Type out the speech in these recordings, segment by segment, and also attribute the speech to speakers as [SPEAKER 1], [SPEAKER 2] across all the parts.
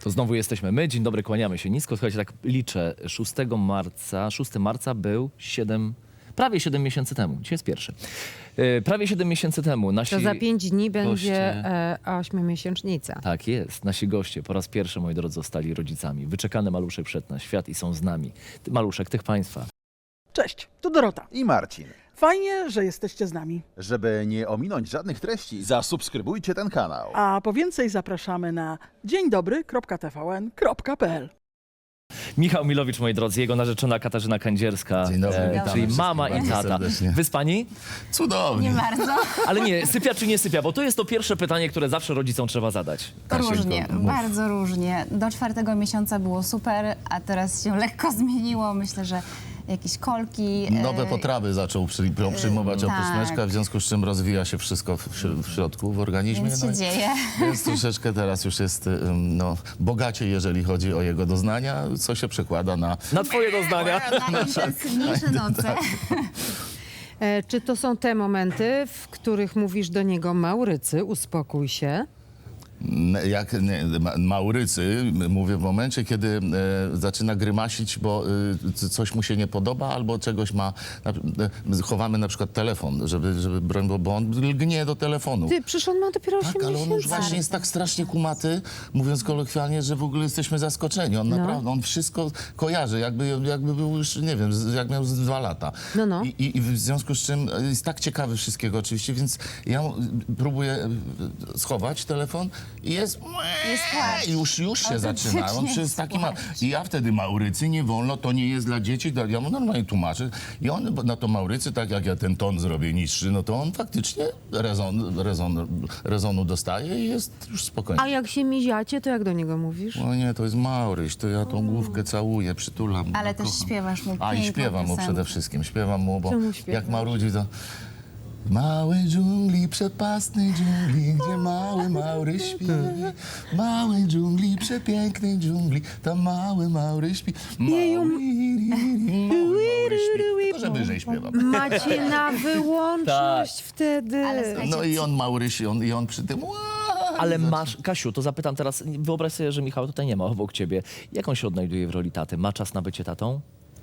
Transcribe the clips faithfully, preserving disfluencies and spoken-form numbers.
[SPEAKER 1] To znowu jesteśmy my. Dzień dobry, kłaniamy się nisko. Słuchajcie, tak liczę. szóstego marca, szóstego marca był siedem, prawie siedem miesięcy temu. Dzisiaj jest pierwszy. Yy, prawie siedem miesięcy temu nasi
[SPEAKER 2] To za pięć dni będzie
[SPEAKER 1] goście-
[SPEAKER 2] e, ośmiomiesięcznica.
[SPEAKER 1] Tak jest. Nasi goście po raz pierwszy, moi drodzy, zostali rodzicami. Wyczekany maluszek wszedł na świat i są z nami. Ty, maluszek tych państwa.
[SPEAKER 3] Cześć, tu Dorota.
[SPEAKER 4] I Marcin.
[SPEAKER 3] Fajnie, że jesteście z nami.
[SPEAKER 4] Żeby nie ominąć żadnych treści, zasubskrybujcie ten kanał.
[SPEAKER 3] A po więcej zapraszamy na dzień dobry kropka t v n kropka p l.
[SPEAKER 1] Michał Milowicz, moi drodzy, jego narzeczona Katarzyna Kędzierska,
[SPEAKER 5] Dzień dobry, witamy
[SPEAKER 1] czyli
[SPEAKER 5] wszystkich
[SPEAKER 1] mama i
[SPEAKER 5] bardzo
[SPEAKER 1] tata.
[SPEAKER 5] serdecznie.
[SPEAKER 1] Wyspani?
[SPEAKER 5] Cudownie.
[SPEAKER 6] Nie bardzo.
[SPEAKER 1] Ale nie, sypia czy nie sypia? Bo to jest to pierwsze pytanie, które zawsze rodzicom trzeba zadać.
[SPEAKER 5] Kasieńko,
[SPEAKER 6] Różnie,
[SPEAKER 5] mów.
[SPEAKER 6] bardzo różnie. Do czwartego miesiąca było super, a teraz się lekko zmieniło. Myślę, że jakieś kolki.
[SPEAKER 5] Nowe
[SPEAKER 6] e,
[SPEAKER 5] potrawy zaczął przy, przyjmować
[SPEAKER 6] tak.
[SPEAKER 5] oprócz w związku z czym rozwija się wszystko w, w środku, w organizmie.
[SPEAKER 6] Więc się
[SPEAKER 5] no i-
[SPEAKER 6] dzieje.
[SPEAKER 5] Więc troszeczkę teraz już jest ym, no, bogacie, jeżeli chodzi o jego doznania, co się przekłada na...
[SPEAKER 1] Na twoje doznania.
[SPEAKER 6] Na intensywniejsze noce.
[SPEAKER 2] E, czy to są te momenty, w których mówisz do niego Maurycy, uspokój się?
[SPEAKER 5] n- Jak nie, ma, Maurycy, mówię w momencie, kiedy e, zaczyna grymasić, bo e, c- coś mu się nie podoba albo czegoś ma... Na, e, chowamy na przykład telefon, żeby, żeby broń, bo, bo on lgnie do telefonu.
[SPEAKER 2] Ty, przecież on ma dopiero osiem
[SPEAKER 5] Tak, ale on
[SPEAKER 2] miesięcy.
[SPEAKER 5] już właśnie jest tak strasznie kumaty, mówiąc kolokwialnie, że w ogóle jesteśmy zaskoczeni. On
[SPEAKER 2] No.
[SPEAKER 5] naprawdę, on wszystko kojarzy, jakby, jakby był już, nie wiem, z- jak miał z dwa lata.
[SPEAKER 2] No, no.
[SPEAKER 5] I, i, I w związku z czym jest tak ciekawy wszystkiego oczywiście, więc ja mu- próbuję e, schować telefon i jest...
[SPEAKER 6] Jest płacz.
[SPEAKER 5] I już, już się zaczyna. On
[SPEAKER 6] Autentycznie
[SPEAKER 5] przez
[SPEAKER 6] jest
[SPEAKER 5] taki ma...
[SPEAKER 6] płacz.
[SPEAKER 5] I ja wtedy Maurycy, nie wolno, to nie jest dla dzieci. Ja mu normalnie tłumaczę. I on na to Maurycy, tak jak ja ten ton zrobię niższy, no to on faktycznie rezon, rezon, rezonu dostaje i jest już spokojny.
[SPEAKER 2] A jak się miziacie, to jak do niego mówisz?
[SPEAKER 5] O nie, to jest Mauryś, to ja tą główkę całuję, przytulam.
[SPEAKER 6] Ale
[SPEAKER 5] ja
[SPEAKER 6] też
[SPEAKER 5] kocham.
[SPEAKER 6] śpiewasz mu
[SPEAKER 5] A i
[SPEAKER 6] piękną
[SPEAKER 5] śpiewam mu
[SPEAKER 6] piosenkę.
[SPEAKER 5] przede wszystkim, śpiewam mu, bo
[SPEAKER 2] Co mu śpiewasz?
[SPEAKER 5] jak marudzi to... W małej dżungli, przepastnej dżungli, gdzie mały Maury śpi. W małej dżungli, przepięknej dżungli, tam mały Maury śpi. Mały, Maury śpi. Tylko, że wyżej śpiewam.
[SPEAKER 2] Macie na wyłączność wtedy.
[SPEAKER 6] Ale słuchajcie,
[SPEAKER 5] No i on Mauryś, i on, i on przy tym...
[SPEAKER 1] Ale masz, Kasiu, to zapytam teraz, wyobraź sobie, że Michał tutaj nie ma obok ciebie. Jak on się odnajduje w roli taty? Ma czas na bycie tatą?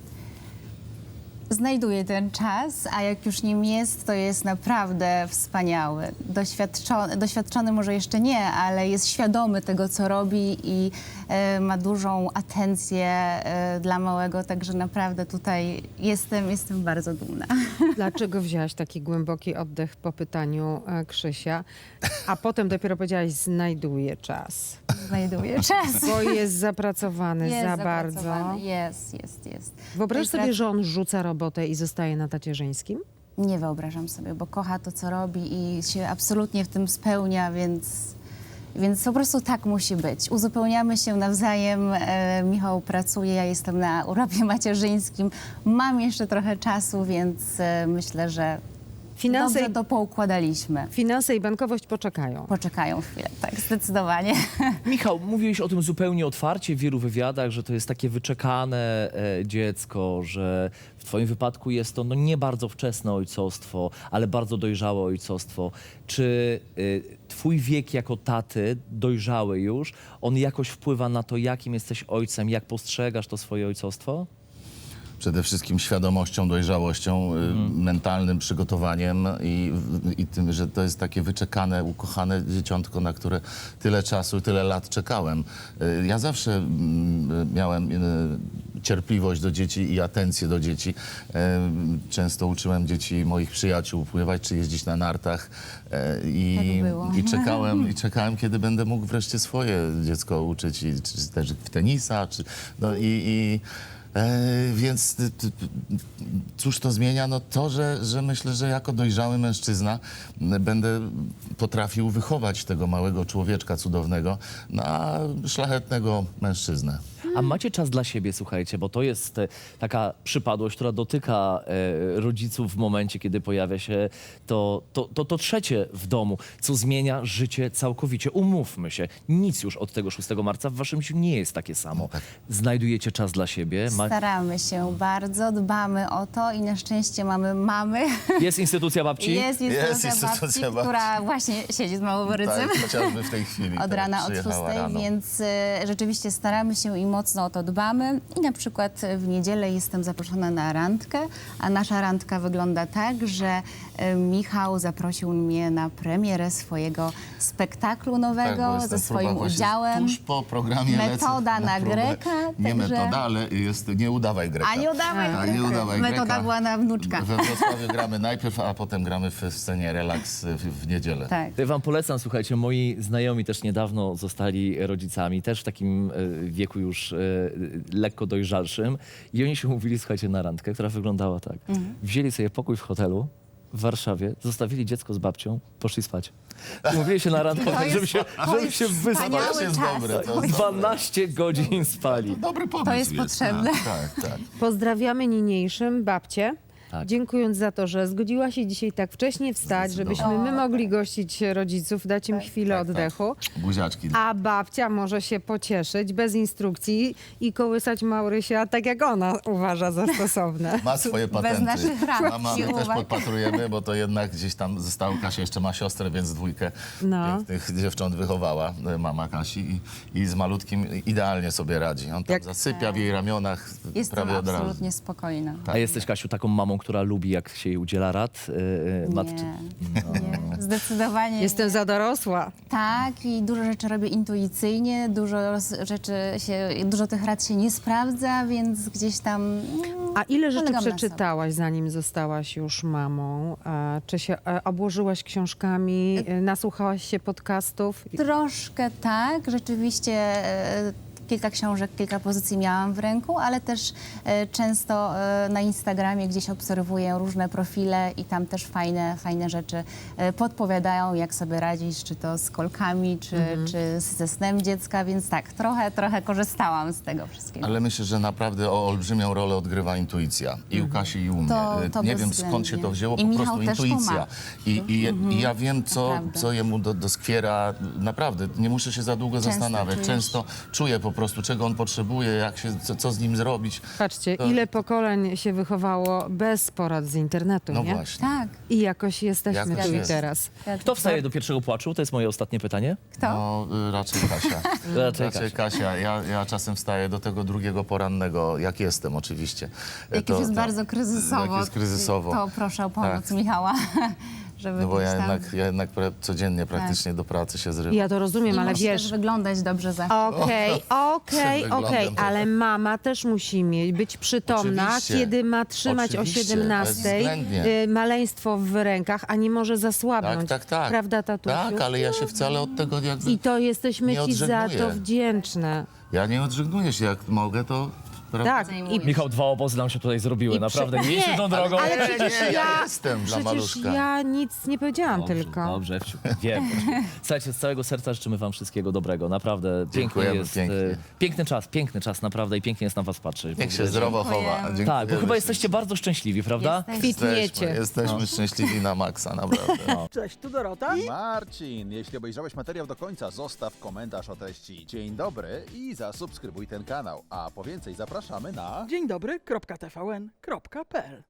[SPEAKER 6] Znajduje ten czas, a jak już nim jest, to jest naprawdę wspaniały. Doświadczony, doświadczony może jeszcze nie, ale jest świadomy tego, co robi i e, ma dużą atencję e, dla małego, także naprawdę tutaj jestem, jestem bardzo dumna.
[SPEAKER 2] Dlaczego wzięłaś taki głęboki oddech po pytaniu e, Krzysia, a potem dopiero powiedziałaś, znajduje czas?
[SPEAKER 6] Znajduje czas.
[SPEAKER 2] Bo jest zapracowany
[SPEAKER 6] Jest
[SPEAKER 2] za
[SPEAKER 6] zapracowany.
[SPEAKER 2] bardzo.
[SPEAKER 6] Jest, jest, jest.
[SPEAKER 2] Wyobraź
[SPEAKER 6] To
[SPEAKER 2] sobie,
[SPEAKER 6] jest
[SPEAKER 2] że on rzuca robotę i zostaje na tacierzyńskim?
[SPEAKER 6] Nie wyobrażam sobie, bo kocha to, co robi i się absolutnie w tym spełnia, więc, więc po prostu tak musi być. Uzupełniamy się nawzajem. E, Michał pracuje, ja jestem na urlopie macierzyńskim. Mam jeszcze trochę czasu, więc e, myślę, że
[SPEAKER 2] Finanse,
[SPEAKER 6] dobrze to poukładaliśmy.
[SPEAKER 2] finanse i bankowość poczekają.
[SPEAKER 6] Poczekają chwilę, tak, zdecydowanie.
[SPEAKER 1] Michał, mówiłeś o tym zupełnie otwarcie w wielu wywiadach, że to jest takie wyczekane e, dziecko, że w twoim wypadku jest to no, nie bardzo wczesne ojcostwo, ale bardzo dojrzałe ojcostwo. Czy y, twój wiek jako taty, dojrzały już, on jakoś wpływa na to, jakim jesteś ojcem, jak postrzegasz to swoje ojcostwo?
[SPEAKER 5] Przede wszystkim świadomością, dojrzałością, y, mentalnym przygotowaniem i, i tym, że to jest takie wyczekane, ukochane dzieciątko, na które tyle czasu, tyle lat czekałem. Y, Ja zawsze mm, miałem y, cierpliwość do dzieci i atencję do dzieci. Y, Często uczyłem dzieci moich przyjaciół pływać czy jeździć na nartach y, i,
[SPEAKER 6] Tak było.
[SPEAKER 5] i czekałem, i czekałem, kiedy będę mógł wreszcie swoje dziecko uczyć, i, czy też w tenisa, czy, no i, i E, więc ty, ty, cóż to zmienia? No to, że, że myślę, że jako dojrzały mężczyzna m, będę potrafił wychować tego małego człowieczka cudownego na szlachetnego mężczyznę.
[SPEAKER 1] A macie czas dla siebie, słuchajcie, bo to jest e, taka przypadłość, która dotyka e, rodziców w momencie, kiedy pojawia się to, to, to, to trzecie w domu, co zmienia życie całkowicie. Umówmy się, nic już od tego szóstego marca w waszym życiu nie jest takie samo. Znajdujecie czas dla siebie. Ma...
[SPEAKER 6] Staramy się bardzo, dbamy o to i na szczęście mamy mamy.
[SPEAKER 1] Jest instytucja babci?
[SPEAKER 6] Jest instytucja,
[SPEAKER 5] instytucja
[SPEAKER 6] babci,
[SPEAKER 5] babci.
[SPEAKER 6] która właśnie siedzi z Małoborycem.
[SPEAKER 5] Tak, chociażby w tej chwili.
[SPEAKER 6] Od
[SPEAKER 5] tak,
[SPEAKER 6] rana, od
[SPEAKER 5] przyjechała
[SPEAKER 6] szóstej,
[SPEAKER 5] rano.
[SPEAKER 6] więc e, rzeczywiście staramy się i mocno o to dbamy. I na przykład w niedzielę jestem zaproszona na randkę, a nasza randka wygląda tak, że e, Michał zaprosił mnie na premierę swojego spektaklu
[SPEAKER 5] Tak, bo
[SPEAKER 6] nowego
[SPEAKER 5] jest
[SPEAKER 6] ze
[SPEAKER 5] ta próba
[SPEAKER 6] swoim
[SPEAKER 5] właśnie
[SPEAKER 6] udziałem.
[SPEAKER 5] Tuż po programie
[SPEAKER 6] Metoda
[SPEAKER 5] lecę
[SPEAKER 6] na
[SPEAKER 5] próbę.
[SPEAKER 6] Greka,
[SPEAKER 5] Nie
[SPEAKER 6] także-
[SPEAKER 5] metoda, ale jest nie udawaj Greka.
[SPEAKER 6] A nie udawaj
[SPEAKER 5] Tak,
[SPEAKER 6] Greka.
[SPEAKER 5] nie udawaj
[SPEAKER 6] Metoda
[SPEAKER 5] Greka.
[SPEAKER 6] była na wnuczka.
[SPEAKER 5] We Wrocławiu gramy najpierw, a potem gramy w scenie relaks w, w niedzielę.
[SPEAKER 6] Tak.
[SPEAKER 1] Ja wam polecam, słuchajcie, moi znajomi też niedawno zostali rodzicami, też w takim e, wieku już e, lekko dojrzalszym i oni się umówili, słuchajcie, na randkę, która wyglądała tak. Wzięli sobie pokój w hotelu w Warszawie, zostawili dziecko z babcią, poszli spać. Umówili się na randkę, tak, żeby się, żeby się wyspać.
[SPEAKER 6] wspaniały
[SPEAKER 5] To jest
[SPEAKER 6] czas.
[SPEAKER 5] dobre, to jest
[SPEAKER 1] dwanaście godzin spali.
[SPEAKER 5] Dobry pomysł
[SPEAKER 6] jest potrzebne.
[SPEAKER 5] Tak, tak, tak.
[SPEAKER 2] Pozdrawiamy niniejszym babcię.
[SPEAKER 1] Tak.
[SPEAKER 2] Dziękując za to, że zgodziła się dzisiaj tak wcześnie wstać, żebyśmy my mogli gościć rodziców, dać im chwilę
[SPEAKER 5] tak, tak.
[SPEAKER 2] oddechu.
[SPEAKER 5] Buziaczki.
[SPEAKER 2] A babcia może się pocieszyć bez instrukcji i kołysać Maurysia tak, jak ona uważa za stosowne.
[SPEAKER 5] Ma swoje patenty.
[SPEAKER 6] naszych rad
[SPEAKER 5] Mama,
[SPEAKER 6] i
[SPEAKER 5] my też
[SPEAKER 6] uwag.
[SPEAKER 5] podpatrujemy, bo to jednak gdzieś tam została. Kasia jeszcze ma siostrę, więc dwójkę
[SPEAKER 2] No.
[SPEAKER 5] pięknych dziewcząt wychowała e, mama Kasi i, i z malutkim idealnie sobie radzi. On tam
[SPEAKER 2] Jak-
[SPEAKER 5] zasypia w jej ramionach
[SPEAKER 6] Jestem
[SPEAKER 5] prawie od razu.
[SPEAKER 6] absolutnie spokojna.
[SPEAKER 1] A jesteś, Kasiu, taką mamą, która lubi, jak się jej udziela rad yy, matce?
[SPEAKER 6] Nie, nie, zdecydowanie
[SPEAKER 2] Jestem
[SPEAKER 6] nie.
[SPEAKER 2] za dorosła.
[SPEAKER 6] Tak, i dużo rzeczy robię intuicyjnie, dużo roz- rzeczy się, dużo tych rad się nie sprawdza, więc gdzieś tam... mm,
[SPEAKER 2] A ile rzeczy
[SPEAKER 6] polegam na sobie.
[SPEAKER 2] przeczytałaś, zanim zostałaś już mamą? E, Czy się e, obłożyłaś książkami, e, nasłuchałaś się podcastów?
[SPEAKER 6] Troszkę tak, rzeczywiście e, kilka książek, kilka pozycji miałam w ręku, ale też e, często e, na Instagramie gdzieś obserwuję różne profile i tam też fajne, fajne rzeczy e, podpowiadają, jak sobie radzić, czy to z kolkami, czy, czy ze snem dziecka, więc tak, trochę, trochę korzystałam z tego wszystkiego.
[SPEAKER 5] Ale myślę, że naprawdę o olbrzymią rolę odgrywa intuicja. I u Kasi, i u mnie.
[SPEAKER 6] To- to
[SPEAKER 5] Nie wiem, skąd się
[SPEAKER 6] bezwzględnie.
[SPEAKER 5] to wzięło,
[SPEAKER 6] I
[SPEAKER 5] po
[SPEAKER 6] Michał
[SPEAKER 5] prostu
[SPEAKER 6] też to
[SPEAKER 5] intuicja.
[SPEAKER 6] ma.
[SPEAKER 5] I, i, I ja wiem, co,
[SPEAKER 6] Naprawdę.
[SPEAKER 5] co jemu do, doskwiera. Naprawdę, nie muszę się za długo
[SPEAKER 6] Często
[SPEAKER 5] zastanawiać.
[SPEAKER 6] czujesz.
[SPEAKER 5] Często czuję po prostu, czego on potrzebuje, jak się, co, co z nim zrobić.
[SPEAKER 2] Patrzcie,
[SPEAKER 5] To-
[SPEAKER 2] ile pokoleń się wychowało bez porad z internetu,
[SPEAKER 5] No
[SPEAKER 2] nie?
[SPEAKER 5] właśnie.
[SPEAKER 6] Tak.
[SPEAKER 2] I jakoś jesteśmy
[SPEAKER 5] Jakoś
[SPEAKER 2] tu i
[SPEAKER 5] jest.
[SPEAKER 2] teraz.
[SPEAKER 1] Kto wstaje do pierwszego płaczu? To jest moje ostatnie pytanie.
[SPEAKER 6] Kto?
[SPEAKER 5] No, y, raczej Kasia.
[SPEAKER 1] Raczej
[SPEAKER 5] Raczej Kasia. Ja, ja czasem wstaję do tego drugiego porannego, jak jestem oczywiście.
[SPEAKER 6] Jak
[SPEAKER 5] To-
[SPEAKER 6] już jest
[SPEAKER 5] to-
[SPEAKER 6] bardzo kryzysowo,
[SPEAKER 5] Jak jest kryzysowo.
[SPEAKER 6] to proszę o pomoc
[SPEAKER 5] Tak.
[SPEAKER 6] Michała, żeby
[SPEAKER 5] No bo ja
[SPEAKER 6] gdzieś tam...
[SPEAKER 5] jednak, ja jednak pra- codziennie praktycznie do pracy się zrywam.
[SPEAKER 2] Ja to rozumiem,
[SPEAKER 6] I
[SPEAKER 2] ale
[SPEAKER 6] musi
[SPEAKER 2] wiesz...
[SPEAKER 6] też wyglądać dobrze za...
[SPEAKER 2] Okej, okej,
[SPEAKER 5] Przed
[SPEAKER 2] okej,
[SPEAKER 5] wyglądem
[SPEAKER 2] ale
[SPEAKER 5] trochę.
[SPEAKER 2] mama też musi mieć, być przytomna,
[SPEAKER 5] Oczywiście.
[SPEAKER 2] kiedy ma trzymać
[SPEAKER 5] Oczywiście,
[SPEAKER 2] o siedemnastej
[SPEAKER 5] bezwzględnie.
[SPEAKER 2] y, maleństwo w rękach, a nie może zasłabnąć.
[SPEAKER 5] Tak, tak, tak.
[SPEAKER 2] Prawda, tatusiu?
[SPEAKER 5] Tak, ale ja się wcale od tego jakby...
[SPEAKER 2] I to jesteśmy
[SPEAKER 5] nie
[SPEAKER 2] ci za
[SPEAKER 5] odżegnuję.
[SPEAKER 2] to wdzięczne.
[SPEAKER 5] Ja nie odżegnuję się, jak mogę, to... prawda?
[SPEAKER 2] Tak,
[SPEAKER 6] Zajmuję.
[SPEAKER 2] i
[SPEAKER 1] Michał, dwa obozy nam się tutaj zrobiły,
[SPEAKER 2] I
[SPEAKER 1] naprawdę.
[SPEAKER 2] prze-
[SPEAKER 1] Nie idźmy tą drogą.
[SPEAKER 2] ale
[SPEAKER 5] Nie,
[SPEAKER 2] przecież
[SPEAKER 5] nie, ja
[SPEAKER 2] ja,
[SPEAKER 5] jestem dla
[SPEAKER 2] przecież
[SPEAKER 5] maluszka.
[SPEAKER 2] ja nic nie powiedziałam
[SPEAKER 1] Dobrze,
[SPEAKER 2] tylko.
[SPEAKER 1] Dobrze, Ewciu, wiem. Słuchajcie, z całego serca życzymy wam wszystkiego dobrego. Naprawdę piękny
[SPEAKER 5] Dziękujemy
[SPEAKER 1] jest.
[SPEAKER 5] pięknie.
[SPEAKER 1] e, Piękny czas, piękny czas, naprawdę i pięknie jest na was patrzeć.
[SPEAKER 5] Niech
[SPEAKER 1] W
[SPEAKER 5] się
[SPEAKER 1] ogóle,
[SPEAKER 5] zdrowo
[SPEAKER 6] Dziękujemy.
[SPEAKER 5] chowa.
[SPEAKER 1] Tak, bo
[SPEAKER 5] Dziękujemy
[SPEAKER 1] chyba
[SPEAKER 5] się.
[SPEAKER 1] jesteście bardzo szczęśliwi, prawda?
[SPEAKER 6] Jesteśmy.
[SPEAKER 2] Kwitniecie.
[SPEAKER 5] Jesteśmy, jesteśmy szczęśliwi na maksa, naprawdę.
[SPEAKER 3] Cześć, tu Dorota.
[SPEAKER 4] Marcin, jeśli obejrzałeś materiał do końca, zostaw komentarz o treści. Dzień dobry i zasubskrybuj ten kanał. A po więcej zapraszamy na...
[SPEAKER 3] Dzień dobry, kropka T V N, kropka P L.